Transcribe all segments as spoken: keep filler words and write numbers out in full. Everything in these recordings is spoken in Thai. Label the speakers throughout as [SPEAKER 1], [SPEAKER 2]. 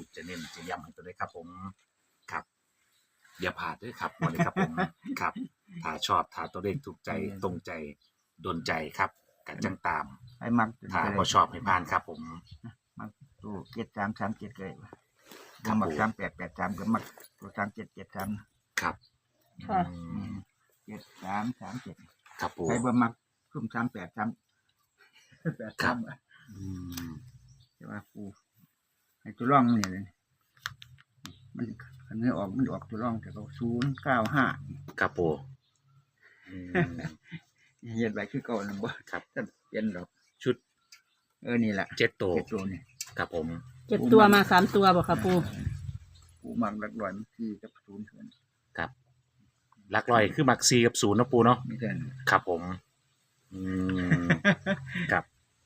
[SPEAKER 1] จะเน้นจะย้ำให้ตัวได้ครับผมครับอย่าพลาดด้วยครับวันนี้ครับผมครับถ้าชอบถ้าตัวเลขถูกใจตรงใจโดนใจครับกันจังตาม
[SPEAKER 2] ไอ้มัก
[SPEAKER 1] ถ้าบ่ชอบให้ผ่านครับผม
[SPEAKER 2] มักตัวเจ็ดสามสามเจ็ดเลย
[SPEAKER 1] ครับ
[SPEAKER 2] มัก
[SPEAKER 1] ผม
[SPEAKER 2] สามแปดแปดสามก็มักตัวสามเจ็ดเจ็ดสาม
[SPEAKER 1] ครับ
[SPEAKER 3] ค่ะ
[SPEAKER 1] อืม
[SPEAKER 2] เจ็ดสามสามเจ็ด
[SPEAKER 1] ครับปู
[SPEAKER 2] ใครบ่มักซุ่มสามแปดสามแปด
[SPEAKER 1] ครั
[SPEAKER 2] สา
[SPEAKER 1] บ
[SPEAKER 2] ม
[SPEAKER 1] อืม
[SPEAKER 2] ใช่ว่าปูให้ตัวร่องนี่เลยมันคันนี้ออกมันออกตัวร่องแต่ก็ศูนย์เก้าห้า
[SPEAKER 1] ครับปูอืม
[SPEAKER 2] เย็นไปคือเก่านะบ่
[SPEAKER 1] ครับ
[SPEAKER 2] ถ้าเปลี่ยนดอก
[SPEAKER 1] ชุด
[SPEAKER 2] เออนี่แหละ
[SPEAKER 1] เจ็ดโตว
[SPEAKER 2] เจ็ดตัวนี่
[SPEAKER 1] ครับผม
[SPEAKER 3] เจ็ดตัวมาสามตัวบอกค่ะปู
[SPEAKER 2] ปูมักหลักร้อยมันที่กับศูนย์เท่านั้น
[SPEAKER 1] ครับหลักร้อยคือมักซีกับศูนย์เนาะปูเนาะ
[SPEAKER 2] ไม่ใช่นะ
[SPEAKER 1] ครับผม อืม ครับ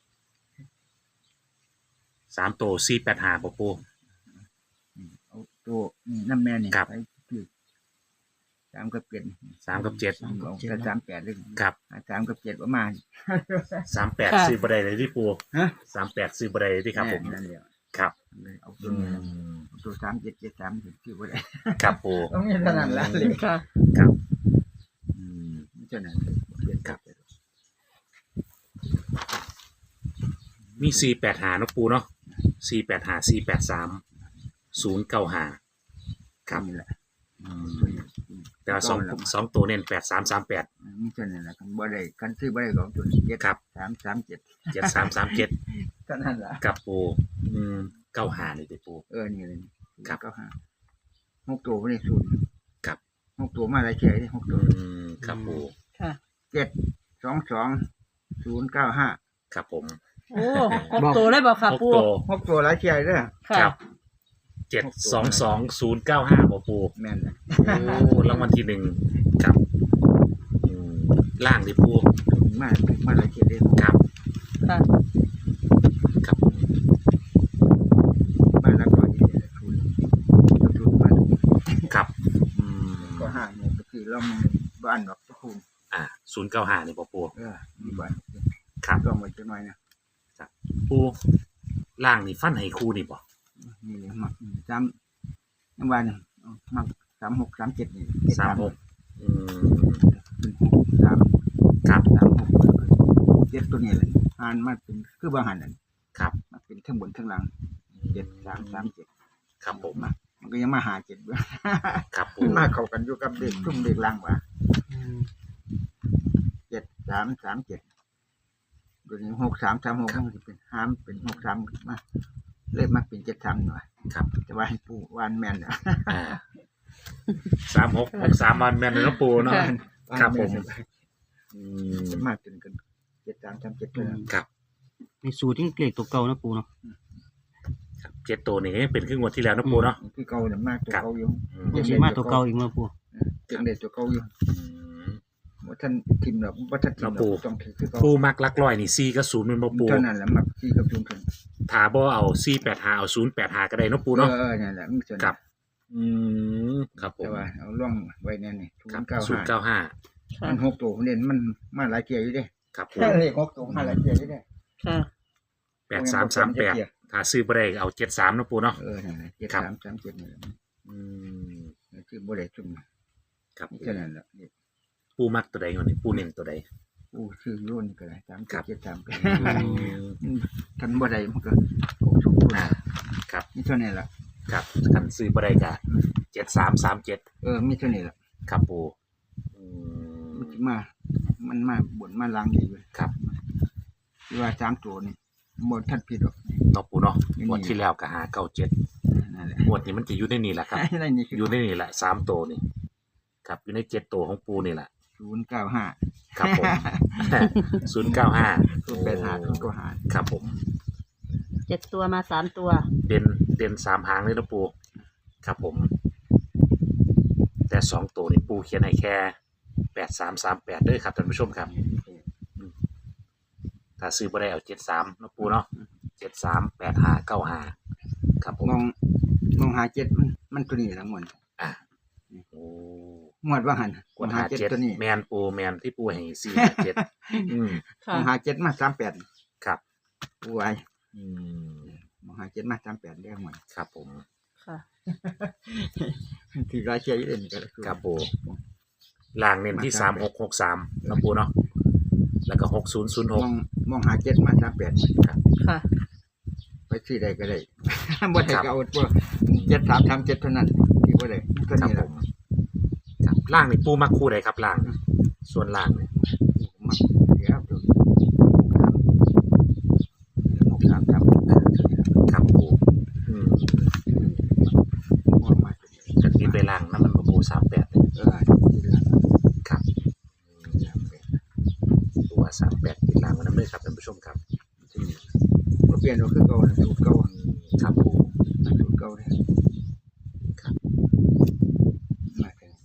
[SPEAKER 1] สามตัวสี่แปดห้าปูปู
[SPEAKER 2] เอาตัวนี่น้ำแม่นี่
[SPEAKER 1] ครับ
[SPEAKER 2] ไปคือสามกับเจ็ด
[SPEAKER 1] สามกับเจ็ด
[SPEAKER 2] เอาแต่สามแปดเลย
[SPEAKER 1] ครับ
[SPEAKER 2] สามกับเจ็ดประมาณ
[SPEAKER 1] สามแปดซื้อบัไดเลยที่ปู
[SPEAKER 2] ฮะ
[SPEAKER 1] สามแปดซื้อบัไดเลยที่ครับผม
[SPEAKER 2] นั่นแหละ
[SPEAKER 1] ครับ
[SPEAKER 2] เลยเอา
[SPEAKER 1] อื
[SPEAKER 2] ตัวนี้
[SPEAKER 1] ม
[SPEAKER 2] เอาตัวสามเจ็ดเจ็ดสามถึงที่บ่ได้
[SPEAKER 1] ครับปู
[SPEAKER 2] ต้องมีเท่านั้นละเลย
[SPEAKER 3] ค่ะ
[SPEAKER 1] ครับอืม
[SPEAKER 2] ไม่ใช่นั้นเลยเปลี่ยน
[SPEAKER 1] ครับ มีสี่แปดหาเนาะปูเนาะสี่แปดหาสี่แปดสามศูนย์เก้าหาครับ
[SPEAKER 2] นี่แหละ
[SPEAKER 1] อืม
[SPEAKER 2] ตัวนี้
[SPEAKER 1] แต่ว่าสองสองตัวเน้นแปดสามสามแปด
[SPEAKER 2] ไม่ใช่นั่นแหละกันบ่ได้กันซื้อบ่ได้ของตัวนี้เจ็ด
[SPEAKER 1] ครับ
[SPEAKER 2] สามสามเจ็ด
[SPEAKER 1] เจ็ดสามสามเจ็ด
[SPEAKER 2] เท่านั้นละ
[SPEAKER 1] กับปูอืมเก้าหานี่ติปู
[SPEAKER 2] เออนี่เลย
[SPEAKER 1] ครับ
[SPEAKER 2] เก้าห้าหกตัวไม่ได้ศูนย์
[SPEAKER 1] ครับ
[SPEAKER 2] หกตัวมาอะไรแค่นี้หกตัว
[SPEAKER 1] อืมครับปู
[SPEAKER 3] ค่ะ
[SPEAKER 2] เจ็ดสองสองศูนย์เก้าห้า
[SPEAKER 1] ครับผม
[SPEAKER 3] โอ้หกตัวเลยบอกค่ะ
[SPEAKER 1] หก
[SPEAKER 3] ปู
[SPEAKER 1] ตัว
[SPEAKER 2] หกตัวหลายแค่เด้อ
[SPEAKER 3] ค่ะ
[SPEAKER 1] ครับเจ็ดสองสองศูนย์เก้าห้าปูปู
[SPEAKER 2] แม่นเลย
[SPEAKER 1] โอ้รางวัลที่หนึ่งครับอืมล่างดิปู
[SPEAKER 2] มามาหลายแค่เด้อ
[SPEAKER 1] ครับ
[SPEAKER 3] ค่ะ
[SPEAKER 1] ครับผม
[SPEAKER 2] มาแล้วก็ยี่สิบศูนย์ศูนย์มา
[SPEAKER 1] ครับอืม
[SPEAKER 2] ก็ห้าเนี่ยก็คือเรามันบ้านดอกตะคูน
[SPEAKER 1] อ่าศูนย์เก้าห้านี่ปูปู
[SPEAKER 2] เออมีบ้าน
[SPEAKER 1] ครับ
[SPEAKER 2] ก็มาจะน้อยนะ
[SPEAKER 1] ปูล่างนี่ฟันให้คู่นี่บ่
[SPEAKER 2] นี่เลยมักสามยังวันมักสามหกสามเจ็ดนี่
[SPEAKER 1] สามหกอืม
[SPEAKER 2] เป็นหกสาม
[SPEAKER 1] ครับ
[SPEAKER 2] สามหกเจ็ดตัวนี้เลยอ่านมาเป็นคือบางหันนั่น
[SPEAKER 1] ครับ
[SPEAKER 2] มาเป็นทั้งบนทั้งล่างเจ็ดสามสามเจ็ด
[SPEAKER 1] ครับผม
[SPEAKER 2] มามันก็ยังมาหาเจ็ดด้วย
[SPEAKER 1] ครับปู
[SPEAKER 2] มันมาเข้ากันอยู่กับเด็กทุ่มเด็กล่างว่ะเจ็ดสามสามเจ็ดตัวนี้หกสามสามหกมันจะเป็นห้ามเป็นหกสามมาเลขมาเป็นเจ็ดสามหน่อย
[SPEAKER 1] ครับ
[SPEAKER 2] จะว่าให้ปูวานแมนอ่ะ
[SPEAKER 1] อ่าสามหกหกสามวันแม่นเลยเนาะปูเนาะ ครับผม อืม
[SPEAKER 2] จะมาจนกันเจ็ดสามสามเจ็ดเลย
[SPEAKER 1] ครับ
[SPEAKER 4] ในสูตรที่เลขตัวเก่านะปูเนาะ
[SPEAKER 1] ครับเจ็ดตัวนี่ยังเป็นครึ่งวันที่แล้วเนาะปูเนาะ
[SPEAKER 2] คือเก่าเนี่ยมากตัว
[SPEAKER 1] ครับ
[SPEAKER 2] เก่าอยู่
[SPEAKER 1] อืม
[SPEAKER 4] ยังสิมาตัวเก่าอีกมั้งปู
[SPEAKER 2] เป็นเด็กตัวเก่าอยู่
[SPEAKER 1] อืม
[SPEAKER 2] ว่าท่านทิมหรอกว่าท่านทิมหร
[SPEAKER 1] แล้วปู่
[SPEAKER 2] อกต้องถือคือเก่า
[SPEAKER 1] ปูมักลักร้อยนี่สี่กับศูนย์เป็นบ่ปู
[SPEAKER 2] เท่านั้นแหละมักที่กับจุนกัน
[SPEAKER 1] ถ้าบ่เอาสี่แปดหาเอาศูนย์แปดหาก็ได้เนาะปูเนาะ
[SPEAKER 2] เออเออเนี่ยแหละมันจะ
[SPEAKER 1] ครับ อืมครับผม
[SPEAKER 2] แต่ว่าเอาล่องไว้แน่นี่ศู
[SPEAKER 1] ครับ
[SPEAKER 2] นย์เก้า
[SPEAKER 1] ศูน
[SPEAKER 2] ห้า
[SPEAKER 1] ย์เก้าห้า
[SPEAKER 3] ค่ะ
[SPEAKER 2] มันหกตัวเด่นมันมาหลายเกียร์อยู่เด้
[SPEAKER 1] ครับปู
[SPEAKER 2] แค่เลขหกตัวมาหลายเกียร์อยู่เด้
[SPEAKER 3] ค่ะ
[SPEAKER 1] แปดสามสามแปดถ้าซื้อบ่ได้เอาเจ็ดสามเนาะปูเนาะ
[SPEAKER 2] เออนั่นแหละเจ็ด
[SPEAKER 1] ครับ
[SPEAKER 2] สามสามเจ็ดนี่แหละ
[SPEAKER 1] อืม
[SPEAKER 2] คือบ่ได้จุ่ม
[SPEAKER 1] ครับ
[SPEAKER 2] นี่แค่นั้นแหละนี่
[SPEAKER 1] ปูมักตัวใดก่อนนี่ปูเน้นตัวใด
[SPEAKER 2] อู้ชื่อรุ่นก็ได้สาม
[SPEAKER 1] ครั
[SPEAKER 2] เจ็ด
[SPEAKER 1] บ
[SPEAKER 2] เจ็ดสามก็
[SPEAKER 1] อืม
[SPEAKER 2] ท่านบ่ได้มันก็โอ้สมบูรณ์
[SPEAKER 1] อ่าครับ
[SPEAKER 2] นี่เท่านี้ล่ะ
[SPEAKER 1] ครับคันซื้อบ่ได้ก็เจ็ดสามสามเจ็ด
[SPEAKER 2] เออมีเท่านี้ล่ะ
[SPEAKER 1] ครับปูอืม
[SPEAKER 2] มันสิมา มันมาบนมาล้างดีเลย
[SPEAKER 1] ครับ
[SPEAKER 2] ที่ว่าสามตัวนี่บ่ทันผิดหรอก
[SPEAKER 1] เนาะปูเนาะ
[SPEAKER 2] นี่
[SPEAKER 1] งวดที่แล้วก็หาเก้าเจ็ด
[SPEAKER 2] นั่นแหละ
[SPEAKER 1] งวดนี้มันจะอยู่ในนี่แหละครับ
[SPEAKER 2] อะไรนี่คือ
[SPEAKER 1] อยู่ในนี่แหละสามตัวนี่ครับอยู่ในเจ็ดตัวของปูนี่แหละ
[SPEAKER 2] ศูนย์เก้าห้า
[SPEAKER 1] ครับผม ศูนย์เก้าห้า
[SPEAKER 2] ศูนย์แปดห้าศูนย์เก้าห้า
[SPEAKER 1] ครับผม
[SPEAKER 3] เจ็ดตัวมาสามตัว
[SPEAKER 1] เด่นเด่นสามหางเลยนะปูครับผม แต่สองตัวนี่ปูเขียนให้แค่แปดสามสามแปดด้วยครับท่านผู้ชมครับ ถ้าซื้อบ่ได้เอาเจ็ดสามนะปูเนาะเจ็ดสามแปดห้าเก้าห้าครับผม
[SPEAKER 2] มองมองหาเจ็ดมันมันตัวนี้ละหมด
[SPEAKER 1] อ่ะโอ้
[SPEAKER 2] หมวดว่าหัน
[SPEAKER 1] กด
[SPEAKER 2] มอง
[SPEAKER 1] หา
[SPEAKER 2] หาเจ็ด
[SPEAKER 1] เจ็ด
[SPEAKER 2] ตัวนี้
[SPEAKER 1] แมนปูแมนที่ปูให้สี่หาเจ็ดอืม
[SPEAKER 2] ม
[SPEAKER 3] ค่ะ
[SPEAKER 2] องหาเจ็ดมาสามแปด
[SPEAKER 1] ครับ
[SPEAKER 2] ปูไว้
[SPEAKER 1] อืม
[SPEAKER 2] มองหาเจ็ดมาสามแปดได้หมด
[SPEAKER 1] ครับผม
[SPEAKER 2] ที่รายเชียร์อยู่เด่นก็
[SPEAKER 1] ครับปูล่างเน้นที่สามหกหกสามนะปูเนาะแล้วก็หกศูนย์ศูนย์ห
[SPEAKER 2] ม
[SPEAKER 1] ก
[SPEAKER 2] องมองหาเจ็ดมาสามแปด
[SPEAKER 1] ครับ
[SPEAKER 3] ค่ะ
[SPEAKER 2] ไปซื้อใดก็ได้ บ่ได้ก็เอาตัวเจ็ดสามสามเจ็ดเท่านั้นที่บ่ได้เท่า
[SPEAKER 1] ครับ
[SPEAKER 2] นี้
[SPEAKER 1] ผ
[SPEAKER 2] ล่ะ
[SPEAKER 1] มครับล่างนี่ปูมักคู่ใดครับล่างนี่ส่วนล่างเนี่ย
[SPEAKER 2] มักเดี๋ยวตัวหกสามสาม
[SPEAKER 1] ครับปูอืม
[SPEAKER 2] มองมา
[SPEAKER 1] กันที่ไปล่างน้ำมันปูสามแปดเลย
[SPEAKER 2] เออที่ล่ะ
[SPEAKER 1] ครับ
[SPEAKER 2] สามแปด
[SPEAKER 1] ตัวสามแปดติดล่างไว้น้ำเลยครับท่านผู้ชมครับ
[SPEAKER 2] ที่นี่บ่เปลี่ยนก็คือเก่าน่ะสูตรเก่า
[SPEAKER 1] ครับปู
[SPEAKER 2] สูตรเก่าเนี่ย
[SPEAKER 1] ครับ
[SPEAKER 2] มาถึง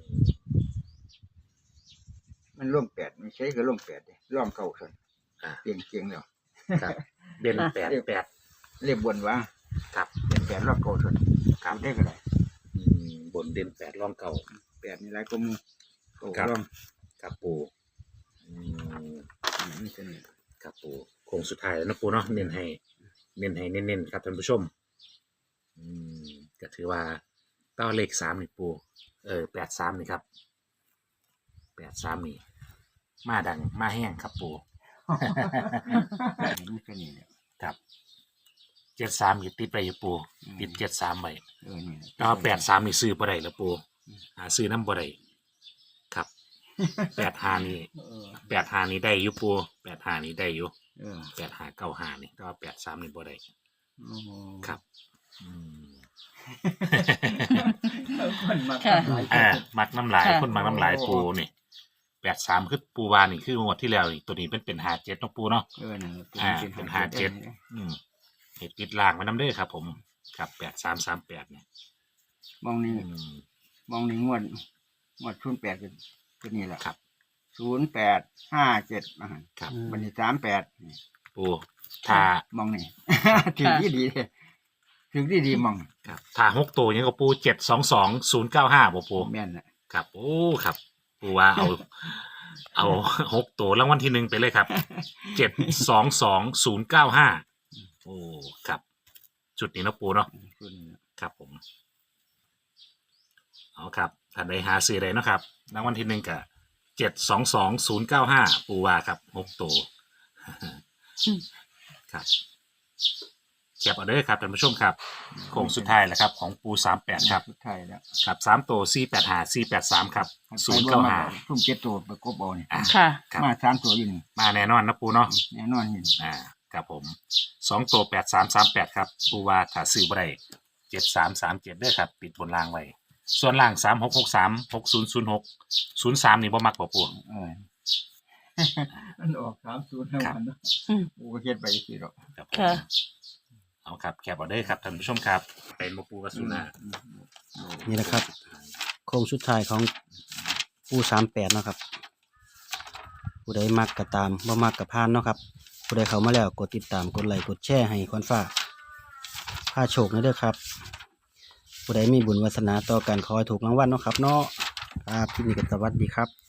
[SPEAKER 2] มันร่วมแปดไม่ใช่ก็ร่วมแปดดิร่วมเก่าส่วน
[SPEAKER 1] อ่า
[SPEAKER 2] เกียงเกียงแล้ว
[SPEAKER 1] ครับเด่นแปดแปด
[SPEAKER 2] เรียบวนว่า
[SPEAKER 1] ครับ
[SPEAKER 2] เป็นแปดรอบเก่าส่วนครับได้ก็ได้
[SPEAKER 1] อืมบนเด่นแปดร่องเก่า
[SPEAKER 2] แปดนี่หลายก็มูเก่า
[SPEAKER 1] ครับ
[SPEAKER 2] ร่อง
[SPEAKER 1] ครับปูอืม
[SPEAKER 2] นี่เป็นนี่
[SPEAKER 1] ครับปูโค้งสุดท้ายแล้วนะปูเนาะเน้นให้เน้นให้เน้นๆครับท่านผู้ชมอืมก็ถือว่าต้าเลขสามนี่ปูเออแปดสามนี่ครับแปดสามนี่มาดังมาแห้งครับปู
[SPEAKER 2] นี่เป็นนี่แหละ
[SPEAKER 1] ครับเจ็ดสามอยู่ติดไปอยู่ปูติดเจ็ดสามไป
[SPEAKER 2] เออนี่
[SPEAKER 1] แต่ว่าแปดสามนี่ซื้อบ่ได้แล้วปูหาซื้อน้ำบ่ได้ครับแปดหานี่
[SPEAKER 2] เออ
[SPEAKER 1] แปดหานี่ได้อยู่ปูแปดหานี่ได้อยู่
[SPEAKER 2] เออ
[SPEAKER 1] แปดหาเก้าหานี่แต่ว่าแปดสามนี่บ่ได้
[SPEAKER 2] โอ้โห
[SPEAKER 1] ครับอืม
[SPEAKER 2] คนมัก
[SPEAKER 3] ค่ะ
[SPEAKER 2] หลาย
[SPEAKER 1] อ่ามักน้ำลาย
[SPEAKER 3] ค่ะ
[SPEAKER 1] คนมักน้ำลายปูนี่แปดสามคือปูวานี่คืองวดที่แล้วนี่ตัวนี้เป็นเป็นหาเจ็ดเนาะปูเนาะ
[SPEAKER 2] เออนี่
[SPEAKER 1] อ่าเป็นห้าเจ็ด อืมเห็ดติดล่างไว้น้ำเด้อครับ ผมครับแปดสามสามแปดเนี่ย
[SPEAKER 2] มองนี่
[SPEAKER 1] อืม
[SPEAKER 2] มองนี่งวดงวดศูนย์แปดก็ก็นี่แหละ
[SPEAKER 1] ครับ
[SPEAKER 2] ศูนย์แปดห้าเจ็ดมาหั่น
[SPEAKER 1] ครับ
[SPEAKER 2] บันนี้สามแปด
[SPEAKER 1] ปูถ้าม
[SPEAKER 2] องนี่ ถึงที่ดีเลยถึงที่ดีมอง
[SPEAKER 1] ครับถ้าหกตัวยังก็ปูเจ็ดสองสองศูนย์เก้าห้าบ่ปู
[SPEAKER 2] แม่นแหละ
[SPEAKER 1] ครับโอ้ครับปูว่าเอา เอาหกตัวรางวัลที่หนึ่งไปเลยครับเจ็ดสองสองศูนย์เก้าห้าโอ้ครับ จุดนี้เนาะปูเนาะ
[SPEAKER 2] ส่วนนี้แหละ
[SPEAKER 1] ครับผมเอาครับท่านใดหาซื้อใดเนาะครับรางวัลที่หนึ่งกับเจ็ดสองสองศูนย์เก้าห้าปูว่าครับหกตัว ครับแคปเอาเด้อครับท่านผู้ชมครับโค้งสุดท้ายแล้วครับ ของปูสามแปดครับ
[SPEAKER 2] สุดท้ายแล้ว
[SPEAKER 1] ครับสามตัวสี่แปดหาสี่แปดสามครับศูนย์เก้าหา
[SPEAKER 2] ทุ่มเจ็ดตัวไปกบเอานี่
[SPEAKER 3] ค่ะ
[SPEAKER 1] ครับ
[SPEAKER 2] มาสามตัวอยู่นี่
[SPEAKER 1] มาแน่นอนนะปูเนาะ
[SPEAKER 2] แน่นอนนี่
[SPEAKER 1] อ่าครับผมสองตัวแปดสามสามแปดครับปูว่าถ้าซื้อบ่ได้เจ็ดสามสามเจ็ดเด้อครับปิดบนล่างไว้ส่วนล่างสามหกหกสามหกศูนย์ศูนย์หกศูนย์สามนี่บ่มักบ่ปู
[SPEAKER 2] เออ มันออกสามศูนย์แล้วมันเนาะ
[SPEAKER 3] อืม
[SPEAKER 2] กูก็เฮ็ดไปสิหรอก
[SPEAKER 1] ครับผม
[SPEAKER 3] ค่ะ
[SPEAKER 1] เอาครับแคปเอาเด้อครับท่านผู้ชมครับเป็นบ่ปูกับสุนา
[SPEAKER 4] นี่แหละครับ โค้งสุดท้ายของปูสามแปดเนาะครับ ผู้ใดมักก็ตามบ่มักก็ผ่านเนาะครับ ผู้ใดเข้ามาแล้วกดติดตามกดไลค์กดแชร์ให้คอนฟ้าพาโชคนะเด้อครับ ผู้ใดมีบุญวาสนาต่อกันขอให้ถูกรางวัลเนาะครับเนาะครับที่นี่ก็สวัสดีครับ